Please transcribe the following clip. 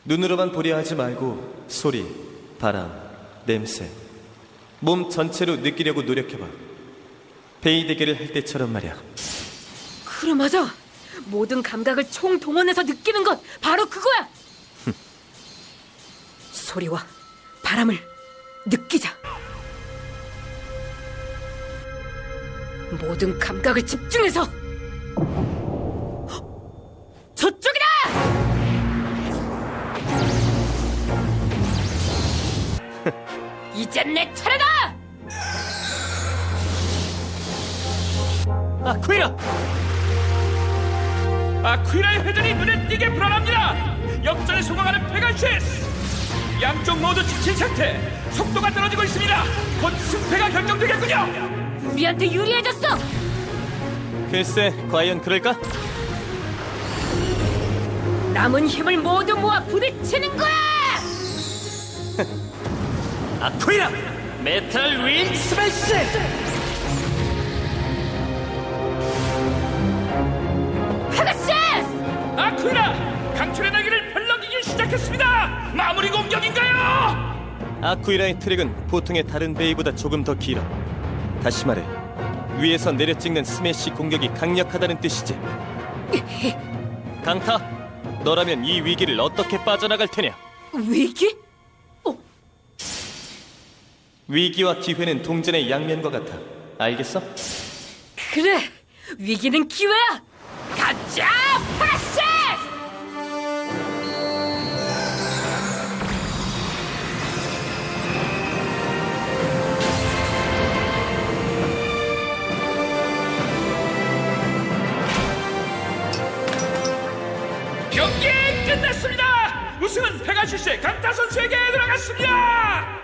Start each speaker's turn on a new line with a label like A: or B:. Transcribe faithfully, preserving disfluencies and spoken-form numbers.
A: 눈으로만 보려 하지 말고 소리, 바람, 냄새, 몸 전체로 느끼려고 노력해봐. 베이 대결을 할 때처럼 말이야.
B: 그래, 맞아. 모든 감각을 총동원해서 느끼는 것 바로 그거야. 소리와 바람을 느끼자. 모든 감각을 집중해서. 저쪽이다! 이젠 내 차례다!
A: 아쿠이라!
C: 아쿠이라의 회전이 눈에 띄게 불어납니다. 역전에 성공하는 페가시스. 양쪽 모두 지친 상태. 속도가 떨어지고 있습니다. 곧 승패가 결정되겠군요.
B: 우리한테 유리해졌어!
A: 글쎄, 과연 그럴까?
B: 남은 힘을 모두 모아 부딪히는 거야!
A: 아쿠이라! 메탈 윈 스매시!
B: 페가시스!
C: 아쿠이라 강철의 날개를 펼렁이기 시작했습니다. 마무리 공격인가요?
A: 아쿠이라의 트랙은 보통의 다른 베이보다 조금 더 길어. 다시 말해, 위에서 내려 찍는 스매시 공격이 강력하다는 뜻이지. 강타, 너라면 이 위기를 어떻게 빠져나갈 테냐?
B: 위기? 어,
A: 위기와 기회는 동전의 양면과 같아. 알겠어?
B: 그래! 위기는 기회야! 가자! 페가시스!
C: 경기 끝났습니다. 우승은 페가시스의 강타 선수에게 들어갔습니다.